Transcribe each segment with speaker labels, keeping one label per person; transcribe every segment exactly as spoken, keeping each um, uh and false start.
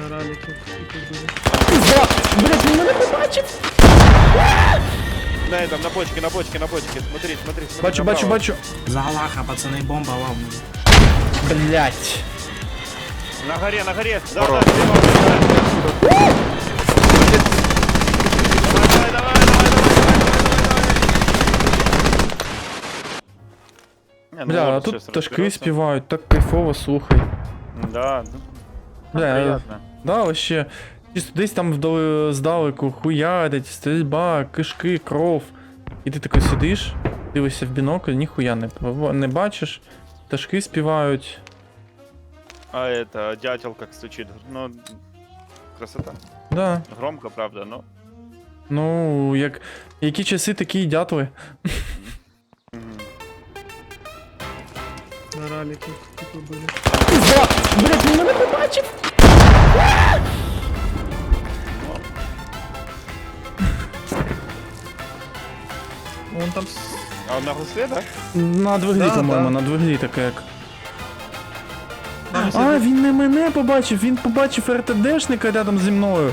Speaker 1: Раліки.
Speaker 2: Пизда! Блять, він мене побачив!
Speaker 3: На этом, на бочке, на бочке, на бочке. Смотри, смотри, смотри.
Speaker 2: Бачу, бачу,
Speaker 3: направо.
Speaker 2: бачу.
Speaker 4: За Аллаха, пацаны, бомба лавна.
Speaker 2: Блять.
Speaker 3: На горе, на горе. Да, да, слева, слева. Давай, давай, давай, давай, давай, давай, давай. Не, ну
Speaker 2: Бля, а
Speaker 3: вот
Speaker 2: тут
Speaker 3: сейчас
Speaker 2: пташки
Speaker 3: разберётся.
Speaker 2: співають, так кайфово, слухай.
Speaker 3: Да, ну,
Speaker 2: Бля,
Speaker 3: приятно.
Speaker 2: да, вообще. Чисто десь там вдали здалеку хуярить, стрільба, кишки, кров. І ти такий сидиш, дивишся в бінокль, ніхуя не, не бачиш. Пташки співають.
Speaker 3: А это, дятел как стучит. Ну, красота.
Speaker 2: Да.
Speaker 3: Громко, правда, но...
Speaker 2: Ну, як. Які часи, такі й дятли.
Speaker 3: Мгм.
Speaker 1: На раліки типу були.
Speaker 2: Пизда! Блять, він мене побачив!
Speaker 1: Вон там с-
Speaker 3: А он на гусле, да?
Speaker 2: На двиглі,
Speaker 1: Да,
Speaker 2: по-моєму,
Speaker 1: да.
Speaker 2: на двиглі таке як.
Speaker 1: там
Speaker 2: А,
Speaker 1: сидить.
Speaker 2: він не мене побачив, він побачив РТДшника рядом зі мною.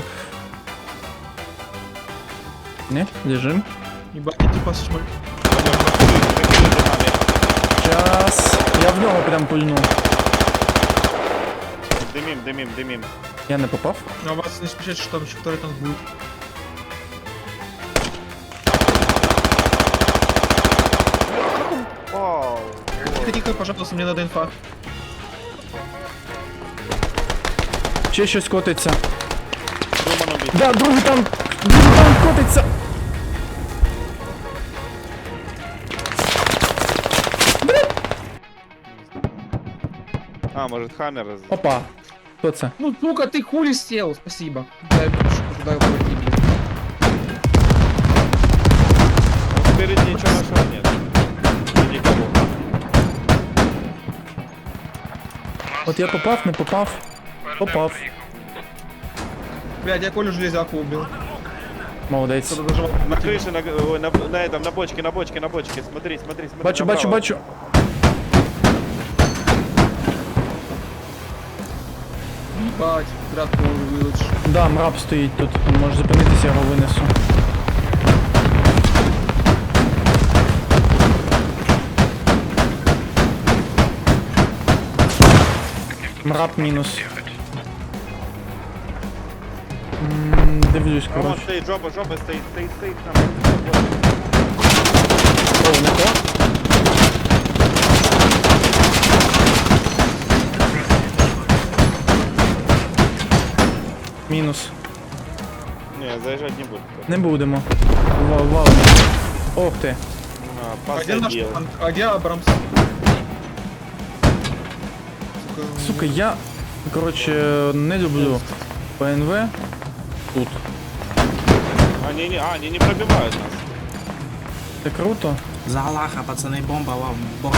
Speaker 2: Не, лежим.
Speaker 1: Ебать, типа шмаль.
Speaker 2: Час. Я в нього прям пульну.
Speaker 3: Дымим, дымим, дымим.
Speaker 2: Я не попав.
Speaker 1: А вас не спешите, что там еще второй танк будет.
Speaker 3: Вау.
Speaker 1: Тихо, тихо, пожалуйста, мне надо инфа.
Speaker 2: Ще щось котиться.
Speaker 3: Думан убит.
Speaker 2: Да, другий танк! Другий танк котиться!
Speaker 3: А, может Хаммер раз...
Speaker 2: Опа. Хто це?
Speaker 1: Ну, сука, ты хули сел, спасибо. Дай больше, туда пройти, блядь.
Speaker 3: Спереди ничего нашего нет. Никого.
Speaker 2: От я попав, не попав. Попав.
Speaker 1: Блядь, я Колю железяку убил.
Speaker 2: Молодець.
Speaker 1: Кто-то доживал.
Speaker 3: На крыше, на, ой, на, на этом, на бочке, на бочке, на бочке. Смотри, смотри, смотри.
Speaker 2: Бачу, бачу,
Speaker 3: направо.
Speaker 2: бачу.
Speaker 1: Ебать, брат, Колю вылечь.
Speaker 2: Да, мраб стоїть тут. Може зупинитися, я його винесу. Мраб мінус. М, Дивлюсь,
Speaker 3: А вон
Speaker 2: коротше.
Speaker 3: стоит, жопа, жопа стоит, стоит, стоит. Там.
Speaker 2: О, не то? Мінус.
Speaker 3: Не, заезжать не буду.
Speaker 2: Не будемо. Вау, вау. Ох ти.
Speaker 3: А,
Speaker 1: А где наш
Speaker 3: посадил.
Speaker 1: танк? А где Абрамс? Сука,
Speaker 2: Сука, я, коротше, не люблю ПНВ тут.
Speaker 3: Они не, а, они не пробивают нас.
Speaker 2: Це круто.
Speaker 4: За Аллаха, пацаны, бомба лавна. Бомба.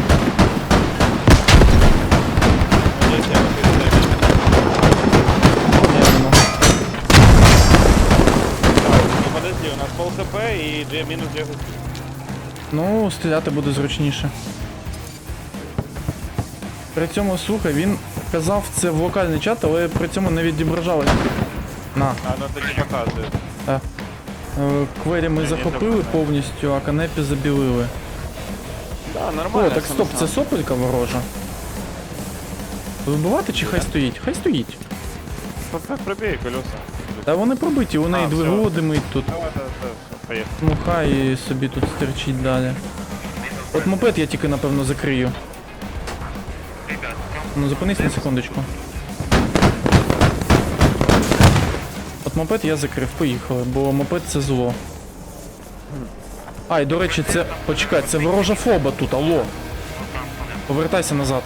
Speaker 3: Они все вот
Speaker 2: Явно.
Speaker 3: Ну подожди, у нас пол хп и две, минус две хп.
Speaker 2: Ну, стріляти буде зручніше. При цьому, слухай, він казав це в локальний чат, але при цьому не відображалось. На.
Speaker 3: А, ну это не показывает.
Speaker 2: Е, Квері ми захопили повністю, а канепі забілили.
Speaker 3: Да,
Speaker 2: О,
Speaker 3: нормально.
Speaker 2: так стоп, це сопелька ворожа. Вибивати чи хай стоїть? Хай стоїть.
Speaker 3: Пробей колеса.
Speaker 2: Та вони пробиті, у неї
Speaker 3: А, всё.
Speaker 2: двигун димить тут.
Speaker 3: Давай, давай, давай, поехали.
Speaker 2: Ну хай собі тут стерчить далі. От мопед я тільки напевно закрию. Ну зупинись на секундочку. От мопед я закрив, поїхали, бо мопед це зло. А, і до речі, це... Почекай, це ворожа фоба тут, алло. Повертайся назад.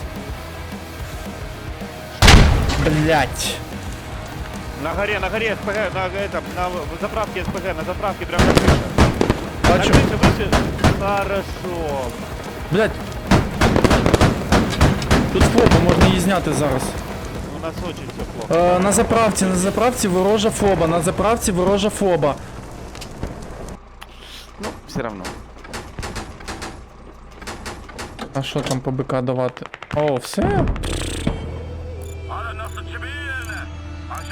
Speaker 2: Блять.
Speaker 3: На горе, на горе СПГ, на этом, на заправке СПГ, на заправке прямо на крыше. На
Speaker 2: Бачу.
Speaker 3: крыше выше. Хорошо.
Speaker 2: Блять. Тут фоба, можна її зняти зараз.
Speaker 3: У нас очень все плохо.
Speaker 2: Е, на заправці, на заправці ворожа фоба, на заправці ворожа фоба.
Speaker 3: Ну, все равно.
Speaker 2: А що там по БК давати? О, все?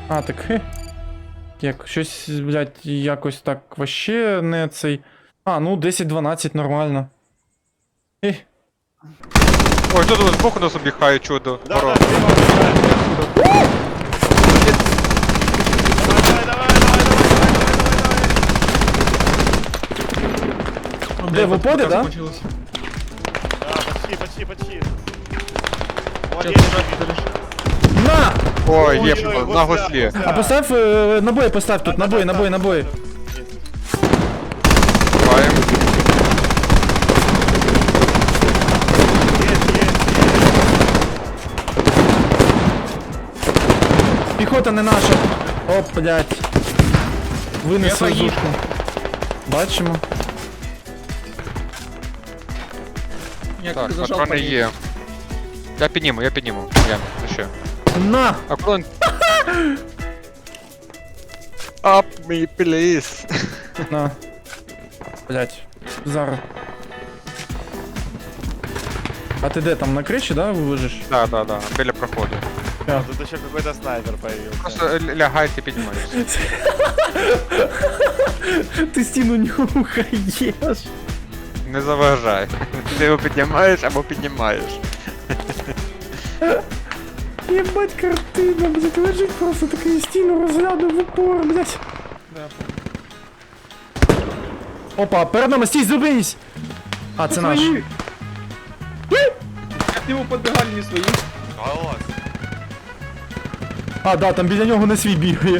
Speaker 2: А, так хе. Як, щось, блядь, якось так вообще не цей. А, ну десять дванадцять нормально. Ех.
Speaker 5: Ой, тут вот збоку нас обіхає чудо.
Speaker 3: Да,
Speaker 5: Ворон.
Speaker 3: да, слева, слева. Давай, давай, давай, давай, давай, давай, давай.
Speaker 2: Де, в уподе, да?
Speaker 1: Закончилось.
Speaker 3: Да, почти, почти, почти.
Speaker 1: Сейчас
Speaker 3: Молодец,
Speaker 1: нажать,
Speaker 3: Давид.
Speaker 1: подожди.
Speaker 2: На!
Speaker 5: Ой,
Speaker 3: Ой,
Speaker 5: є
Speaker 3: ой,
Speaker 5: на
Speaker 3: гусля,
Speaker 5: гуслі.
Speaker 3: гусля.
Speaker 2: А поставь, е, набої постав тут, набої, набої, набої.
Speaker 5: Буваємо.
Speaker 3: Есть, есть,
Speaker 2: Піхота не наша. Оп, блядь. Винесли
Speaker 1: Я поїхав.
Speaker 2: зушку. Бачимо.
Speaker 1: Я
Speaker 5: Так,
Speaker 1: как зажал
Speaker 5: патрони
Speaker 1: по ней.
Speaker 5: є. Я підніму, я підніму. Я, ну ще.
Speaker 2: На!
Speaker 5: А клон... Up me, please.
Speaker 2: На. Блядь. Зараз. А ти де там на криші, да, вижиш?
Speaker 5: Да, да, да, біля проходу.
Speaker 3: А тут еще какой-то снайпер появился.
Speaker 5: Просто л- лягай, ти піднімаєшся.
Speaker 2: Ти стіну нюхаєш.
Speaker 5: Не заважай. Ти його піднімаєш або піднімаєш.
Speaker 2: Єбать картина, блядь, лежить просто такий стіну розглядав в упор, блядь. Опа, перед нами, стій, зупинись! А, це наш.
Speaker 1: Свои. Как его подбегали, не свои.
Speaker 2: А, да, там біля нього не свій бігає.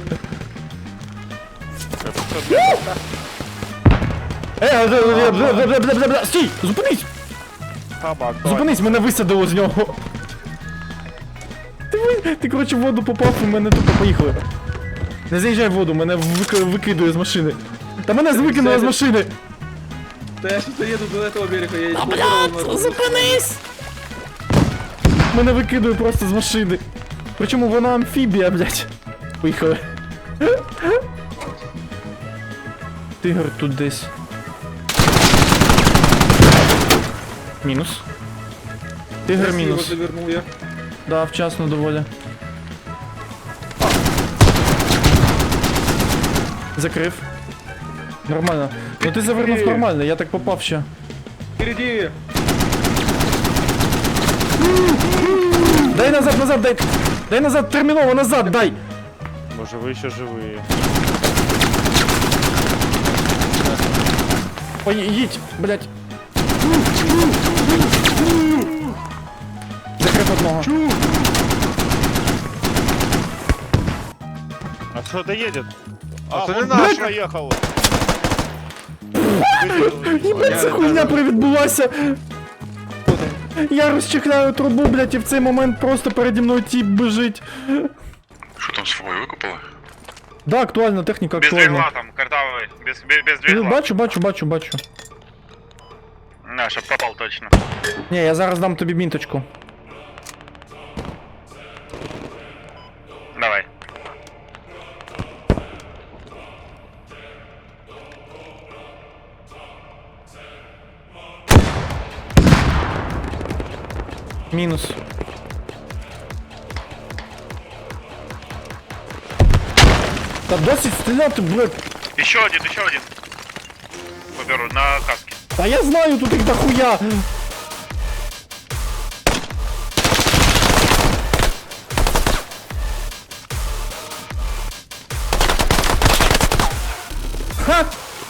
Speaker 2: Е, бля, бля, бля, бля, бля, бля, бля, стій, зупинись!
Speaker 3: Табак, давай.
Speaker 2: Зупинись, мене висадило з нього. Ти, ви- ти коротше, в воду попав і мене тупо поїхали. Не заїжджай в воду, мене вик- викидує з машини. Та мене викинуло з машини.
Speaker 1: Да я сейчас доеду до этого берега, я а, блядь,
Speaker 2: Зупинись! Мене викидує просто з машини. Причому вона амфібія, блядь. Поїхали. Тигр тут десь. Мінус. Тигр
Speaker 1: Красиво
Speaker 2: мінус.
Speaker 1: завернул я.
Speaker 2: Да, вчасно доволі. Закрив. Нормально. Ну ти завернув нормально, я так попав ще.
Speaker 1: Впереди.
Speaker 2: Дай назад, назад, дай. Дай назад, терміново, назад, дай.
Speaker 3: Боже, вы еще живые.
Speaker 2: Ой, їдь, блядь. Закрив одного.
Speaker 3: А что это едет? А,
Speaker 5: это
Speaker 3: вон
Speaker 5: не наш.
Speaker 3: проехал.
Speaker 2: Єбать, це хуйня привідбулася. Я розчехляю трубу, блядь, і в цей момент просто переді мною тіп біжить.
Speaker 6: Що там свого викопали?
Speaker 2: Да, актуальна техніка,
Speaker 7: Без двигла
Speaker 2: актуальна.
Speaker 7: там, картавый, без, без, без
Speaker 2: Ну,
Speaker 7: двигла.
Speaker 2: Бачу, бачу, бачу, бачу.
Speaker 7: На, чтоб попал точно.
Speaker 2: Ні, я зараз дам тобі мінточку.
Speaker 7: Давай.
Speaker 2: Мінус. Та досить стріляти, блядь.
Speaker 7: Еще один, еще один. Выберу на каске.
Speaker 2: Та я знаю, тут їх дохуя. Ха!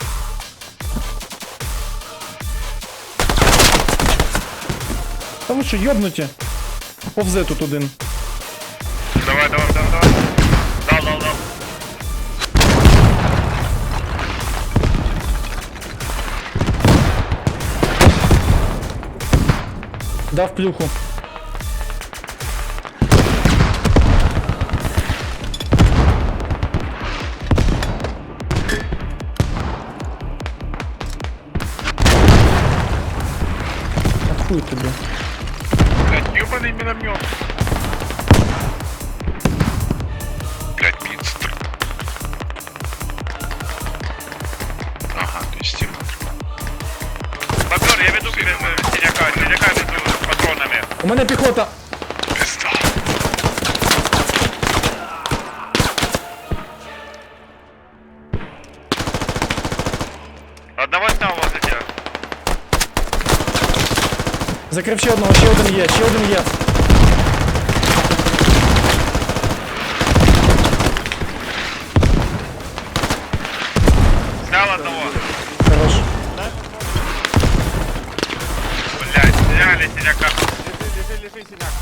Speaker 2: Та ви що, йобнуті? Повзе тут один.
Speaker 7: Давай, давай, давай, давай. Дал, дал, дал.
Speaker 2: Дав плюху. А хуй тобі.
Speaker 7: Блядь, ёбаный миномет.
Speaker 6: Блять, мінстр. Ага, двісті метрів.
Speaker 7: Бобер, я веду без э, синяка, синяка веду с патронами.
Speaker 2: У мене піхота.
Speaker 6: Пизда.
Speaker 2: Закрив ще одного, ще один є, ще один є.
Speaker 7: Снял одного.
Speaker 2: Хорош.
Speaker 7: Блядь, сняли синяка.
Speaker 3: Лежи, лежи, лежи, синяк.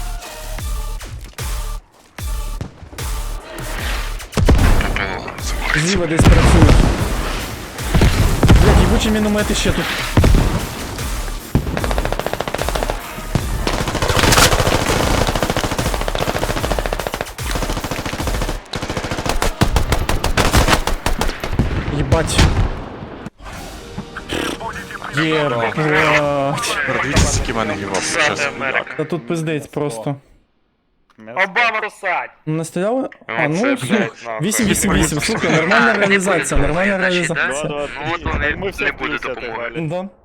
Speaker 6: Попало. Заборить.
Speaker 2: Зліва десь працюють. Блядь, їбучі міномети ще тут. Єбать. Єбать.
Speaker 5: Дивіться, який в мене гівап.
Speaker 7: Сати Америка.
Speaker 2: Та тут пиздець просто.
Speaker 7: Обама русать.
Speaker 2: Не стріляли? А, ну,
Speaker 7: це,
Speaker 2: слух.
Speaker 7: блядь, нахуй.
Speaker 2: вісім вісім вісім, слухай, нормальна реалізація, нормальна реалізація.
Speaker 3: Ну, от,
Speaker 7: Вот вони
Speaker 3: ми всі
Speaker 7: не
Speaker 3: в
Speaker 7: буде
Speaker 3: плюсі
Speaker 7: допомоги.
Speaker 3: отиграли.
Speaker 2: Да.